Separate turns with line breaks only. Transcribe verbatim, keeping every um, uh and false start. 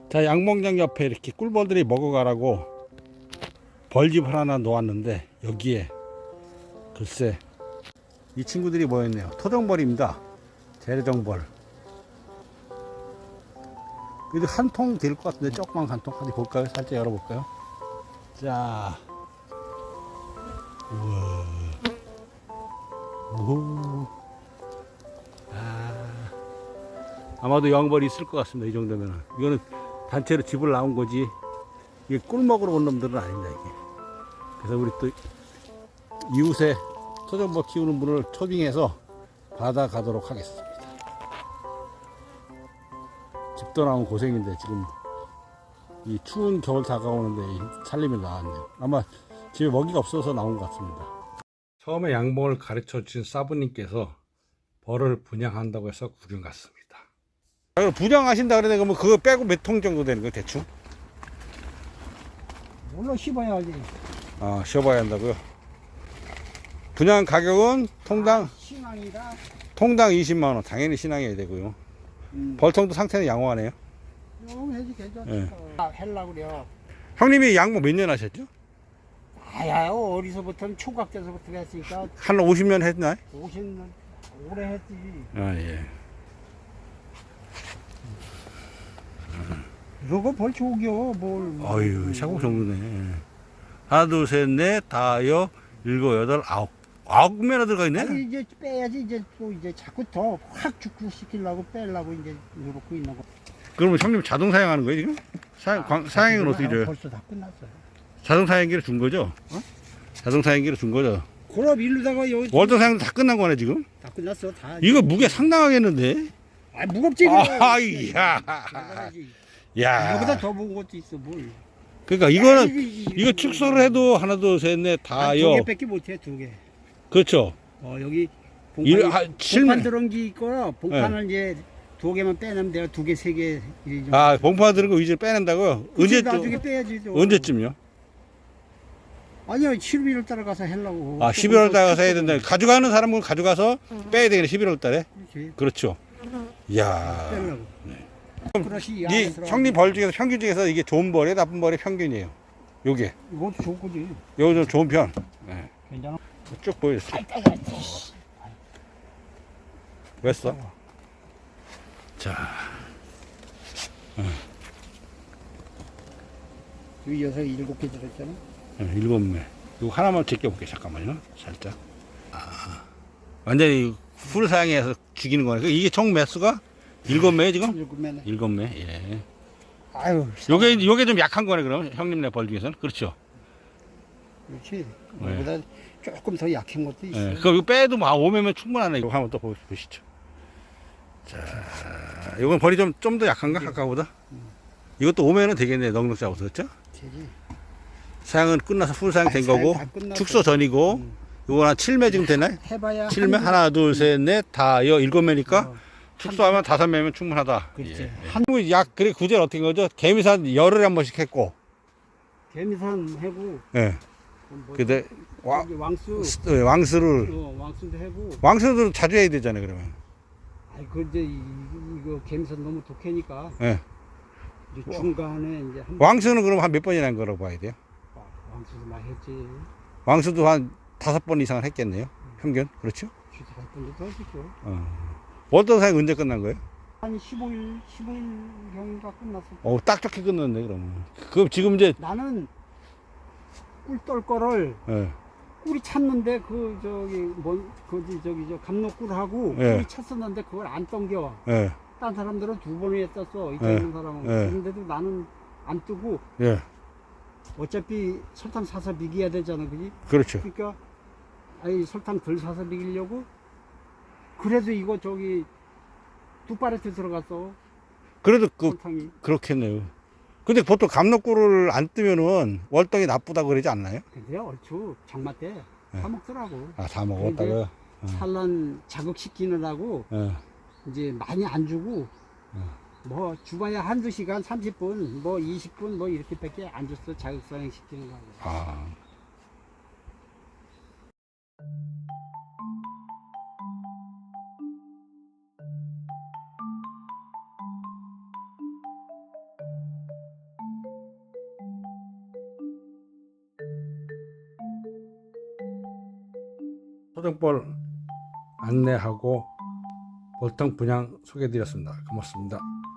자, 양봉장 옆에 이렇게 꿀벌들이 먹어가라고 벌집 하나 놓았는데 여기에 글쎄 이 친구들이 뭐였네요. 토종벌입니다. 재래종벌. 그래도 한 통 될 것 같은데 조그만 한 통. 어디 볼까요? 살짝 열어볼까요? 자, 우와, 오, 아, 아마도 여왕벌이 있을 것 같습니다. 이 정도면은 이거는 단체로 집을 나온 거지. 이게 꿀 먹으러 온 놈들은 아닙니다. 이게. 그래서 우리 또 이웃에 토종벌 키우는 분을 초빙해서 받아가도록 하겠습니다. 집도 나오면 고생인데 지금 이 추운 겨울 다가오는데 살림이 나왔네요. 아마 집에 먹이가 없어서 나온 것 같습니다. 처음에 양봉을 가르쳐 주신 사부님께서 벌을 분양한다고 해서 구경 갔습니다. 분양하신다 그러는데 그러면 그거 빼고 몇 통 정도 되는 거예요, 대충?
물론 씹어야지.
아, 쉬어봐야 한다고요? 분양 가격은 통당
아, 신앙이다.
통당 이십만 원. 당연히 신앙해야 되고요.
음.
벌통도 상태는 양호하네요.
좀 해지 괜찮다.
예.
아, 헬라 그래요.
형님이 양봉 몇 년 하셨죠?
아야, 어디서부터는 총각 때서부터 했으니까
한 오십 년 했나요?
오십 년 오래 했지.
아, 예.
그거 벌 좋겨 뭘.
어휴, 샤국 정도네. 하나, 둘, 셋, 넷, 다여, 일곱, 여덟, 아홉. 아홉 매나 들어가 있네?
아니, 이제 빼야지. 이제 또 이제 자꾸 더 확 축구시키려고 빼려고 이제 이러고 있는 거.
그러면 형님 자동 사양하는 거예요, 지금? 사양, 광, 사양은 어떻게 줘요?
벌써 다 끝났어요.
자동 사양기를 준 거죠?
어?
자동 사양기를 준 거죠?
그럼 일루다가 여기
월동 사양도 다 끝난 거네, 지금?
다 끝났어. 다.
이거 무게 상당하겠는데?
아, 무겁지.
아, 이야. 야.
이거보다 더 무거운 것도 있어 뭘.
그러니까 이거는,
야, 이거, 이거,
이거 축소를 해도 하나, 둘, 셋, 넷,
두
다여.
개밖에 못해. 두 개.
그렇죠.
어, 여기
일,
봉판,
한, 칠
봉판
매.
들어온 게 있고 봉판을 이제 두 개만 빼내면 내가 두 개, 세 개.
아, 봉파 들은 거 위주로 빼낸다고요? 언제,
나중에 빼야지. 또.
언제쯤요?
아니요, 십일월 달에 가서 하려고.
아, 십일월 달에 가서 해야 된다. 가져가는 사람은 가져가서 빼야 되겠네, 십일월 달에.
그렇지.
그렇죠. 이야.
빼려고. 그릇이 이
이
안에 들어가고.
형님 벌 중에서 평균 중에서 이게 좋은 벌이에요, 나쁜 벌의 평균이에요. 요게.
이것도 좋은 거지.
요거 좀 좋은 편. 네.
괜찮아.
쭉 보여주세요. 왜 써? 자.
여기 여섯 일곱 개 들었잖아.
네, 일곱 매. 이거 하나만 제껴볼게요. 잠깐만요. 살짝. 아. 완전히 풀 사양해서 죽이는 거네. 이게 총 매수가 일곱 매 지금?
일곱 매네.
일곱 매. 예.
아유.
요게, 요게 좀 약한 거네, 그럼. 형님네 벌 중에서는. 그렇죠.
그렇지.
네.
이거보다 조금 더 약한 것도 있어.
예. 그럼 이거 빼도 뭐, 오 매면 충분하네. 이거 한번 또 보- 보시죠. 자, 이건 벌이 좀, 좀 더 약한가? 아까보다? 이것도 오 매는 되겠네. 넉넉 잡아서. 그렇죠?
되지.
사양은 끝나서 풀 사양 된
아, 사양
거고,
다 끝났어.
축소 전이고,
음.
요건 한 칠 매 지금 되나요?
해봐야.
칠 매?
한
하나, 둘, 셋, 넷, 다, 여, 일곱 매니까,
어.
축소하면 다섯 매면 충분하다.
그렇지.
예. 한, 약, 그래, 구제는 어떻게 한 거죠? 개미산 열흘에 한 번씩 했고,
개미산 해고.
예.
뭐,
근데, 와,
여기 왕수.
스- 예, 왕수를,
어, 왕수도 해고.
왕수도 자주 해야 되잖아요, 그러면.
아이 그 이제 이- 이거 개미산 너무 독해니까
예.
이제 중간에 이제 한
왕수는 그럼 한 몇 번이나 한 거라고 봐야 돼요?
번 왕수도 많이 했지.
왕수도 한 다섯 번 이상은 했겠네요. 평균. 그렇죠?
주도 할 건데 더 했죠.
어. 월동 사양 언제 끝난 거예요?
한 십오 일, 십오 일 경인가 끝났어.
어, 딱 좋게 끝났네, 그러면. 그럼 지금 이제,
나는 꿀 떨 거를
예.
꿀이 찼는데 그 저기 뭔 그지 저기 저 감로꿀하고
예.
꿀이 찼었는데 그걸 안 땡겨.
예.
딴 사람들은 두 번에 했었어. 이쪽
예.
있는 사람은.
예.
그런데도 나는 안 뜨고
예.
어차피 설탕 사서 비겨야 되잖아, 그지?
그렇죠.
그러니까 아니 설탕 덜 사서 비기려고 그래도 이거 저기 두 파레트 들어갔어.
그래도 그,
설탕이.
그렇겠네요. 근데 보통 감로꿀을 안 뜨면은 월동이 나쁘다고 그러지 않나요?
근데 얼추 장마 때
예.
사 먹더라고.
아, 다 먹었다고요?
산란 자극시키느라고
예.
이제 많이 안 주고
예.
뭐 주봐야 한두 시간 삼십 분 뭐 이십 분 뭐 이렇게밖에 안 줬어. 자극사행 시키는 거하고.
아. 토종벌 안내하고 볼통 분양 소개해드렸습니다. 고맙습니다.